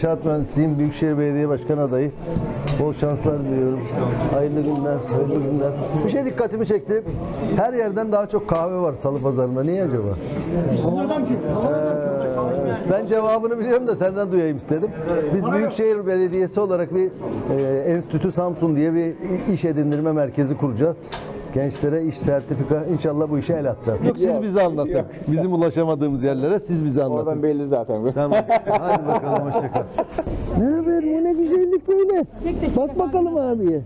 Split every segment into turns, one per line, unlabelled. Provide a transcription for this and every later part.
İnşaat mühendisiyim. Büyükşehir Belediye Başkan adayı. Bol şanslar diliyorum. Hayırlı günler, hayırlı günler. Bir şey dikkatimi çekti. Her yerden daha çok kahve var Salı Pazarı'nda. Niye acaba? Ben cevabını biliyorum da senden duyayım istedim. Biz Büyükşehir Belediyesi olarak bir Enstitü Samsun diye bir iş edindirme merkezi kuracağız. Gençlere iş sertifika, inşallah bu işe el atacağız. Yok, siz bize anlatın. Bizim ulaşamadığımız yerlere siz bize anlatın.
Oradan belli zaten.
Tamam. Hadi bakalım, hoşça kal. Ne haber? Bu ne güzellik böyle. Bak bakalım abiye.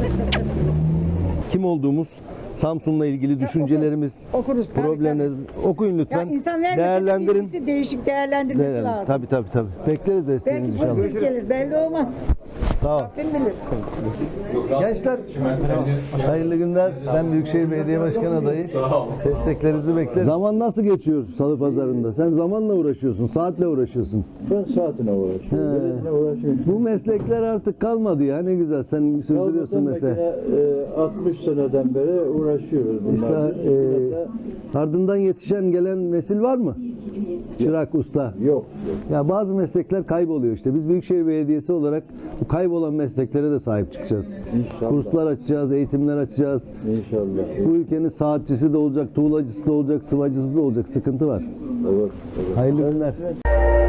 Kim olduğumuz, Samsun'la ilgili düşüncelerimiz,
Okuruz.
problemleriniz okuyun lütfen.
Ya insan vermese
Değerlendirin.
birisi değişik değerlendirmesi lazım.
Tabii. Bekleriz desteğinizi
Belki
inşallah.
pozitif gelir, belli olmaz.
Sağ ol.
Kim bilir?
Gençler, hayırlı günler. Ben Büyükşehir Belediye Başkanı adayı. Desteklerinizi beklerim. Zaman nasıl geçiyor Salı Pazarı'nda? Sen zamanla uğraşıyorsun, saatle uğraşıyorsun.
Ben saatine uğraşıyorum. Biletine uğraşıyorum.
Bu meslekler artık kalmadı ya, ne güzel. Sen sürdürüyorsun mesleği.
60 seneden beri uğraşıyoruz bunlarla.
İşte ardından yetişen gelen nesil var mı? Çırak, usta.
Yok.
Ya bazı meslekler kayboluyor işte. Biz Büyükşehir Belediyesi olarak bu kaybolan mesleklere de sahip çıkacağız.
İnşallah.
Kurslar açacağız, eğitimler açacağız.
İnşallah.
Bu ülkenin saatçisi de olacak, tuğlacısı da olacak, sıvacısı da olacak. Sıkıntı var.
Olur.
Hayırlı günler.